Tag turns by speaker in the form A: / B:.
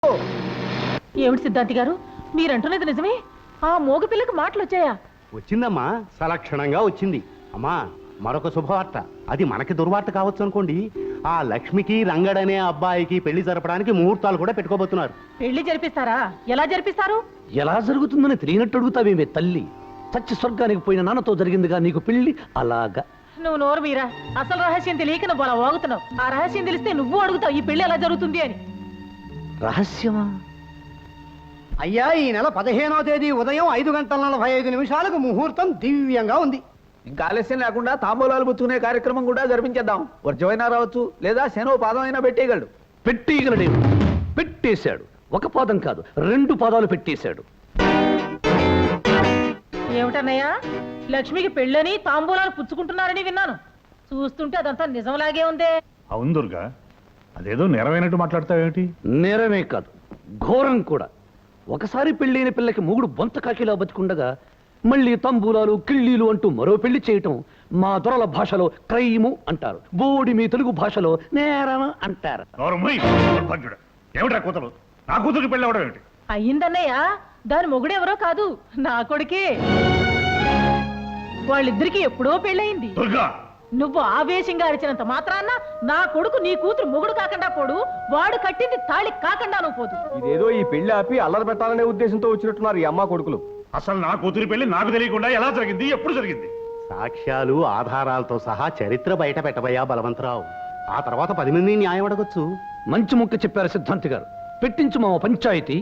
A: ఏమిటి సిద్ధాంతి గారు, మీరంటున్నది నిజమే? ఆ మోగ పిల్లకి మాటలు వచ్చాయా?
B: వచ్చిందమ్మా, సలక్షణంగా వచ్చింది. అమ్మా, మరొక శుభవార్త. అది మనకి దుర్వార్త కావచ్చు అనుకోండి. ఆ లక్ష్మికి రంగడనే అబ్బాయికి పెళ్లి జరపడానికి ముహూర్తాలు కూడా పెట్టుకోబోతున్నారు.
A: పెళ్లి జరిపిస్తారా? ఎలా జరిపిస్తారు?
C: ఎలా జరుగుతుందని తెలియనట్టు అడుగుతావేమే తల్లి. చచ్చి స్వర్గానికి పోయిన నాన్నతో జరిగిందిగా నీకు పెళ్లి. అలాగా
A: నువ్వు నోరు మీరా. అసలు రహస్యం తెలియక నువ్వు అలా వాగుతున్నావు. ఆ రహస్యం తెలిస్తే నువ్వు అడుగుతావు ఈ పెళ్లి ఎలా జరుగుతుంది అని.
C: రహస్యమా?
D: అయ్యా, ఈ నెల 15వ తేదీ ఉదయం 5:45 ముహూర్తం దివ్యంగా ఉంది.
E: ఇంకా ఆలస్యం లేకుండా తాంబూలాలు పుచ్చుకునే కార్యక్రమం కూడా జరిపించేద్దాం. వర్జమైనా రావచ్చు, లేదా శనో పాదం అయినా పెట్టేయగలడు.
C: పెట్టేయగలడేమో. పెట్టేశాడు. ఒక పాదం కాదు, 2 పాదాలు పెట్టేశాడు.
A: ఏమిటన్నయ్యా, లక్ష్మికి పెళ్ళని తాంబూలాలు పుచ్చుకుంటున్నారని విన్నాను. చూస్తుంటే అదంతా నిజంలాగే ఉందే.
F: అవును దుర్గా, అదేదో నెరవేనట్టు మాట్లాడతావేమిటి?
C: నేరమే కాదు, ఘోరం కూడా. ఒకసారి పెళ్ళైన పిల్లకి మూగుడు బొంత కాకిలా బతికుండగా మళ్ళీ తంబూలాలు కిళ్ళీలు అంటూ మరో పెళ్లి చేయటం మా దొరల భాషలో క్రైము అంటారు. బోడి మీ తెలుగు భాషలో నేరం అంటారు.
F: ఏమిటా కూతురు? నా కూతురికి పెళ్ళి అవడం ఏమిటి?
A: అయ్యిందన్నయ్య, దాని మొగుడెవరో కాదు, నా కొడుకే. వాళ్ళిద్దరికి ఎప్పుడో పెళ్ళయింది.
F: దుర్గా,
A: నువ్వు ఆవేశంగా అరిచినంత మాత్రాన నా కొడుకు నీ కూతురు మొగుడు కాకుండా పోడు, వాడు కట్టింది తాళి కాకుండా నువ్వు పోదు.
D: ఇదేదో ఈ పెళ్లి ఆపి అల్లరి పెట్టాలనే ఉద్దేశంతో వచ్చినట్టున్నారు ఈ అమ్మ కొడుకులు.
F: అసలు నా కూతురి పెళ్లి నాకు తెలియకుండా ఎలా జరిగింది, ఎప్పుడు జరిగింది?
B: సాక్ష్యాలు ఆధారాలతో సహా చరిత్ర బయట పెట్టబోయా బలవంతరావు. ఆ తర్వాత 10 మంది న్యాయం అడగొచ్చు.
C: మంచి ముక్క చెప్పారు సిద్ధాంతి గారు. పెట్టించు మా పంచాయతీ.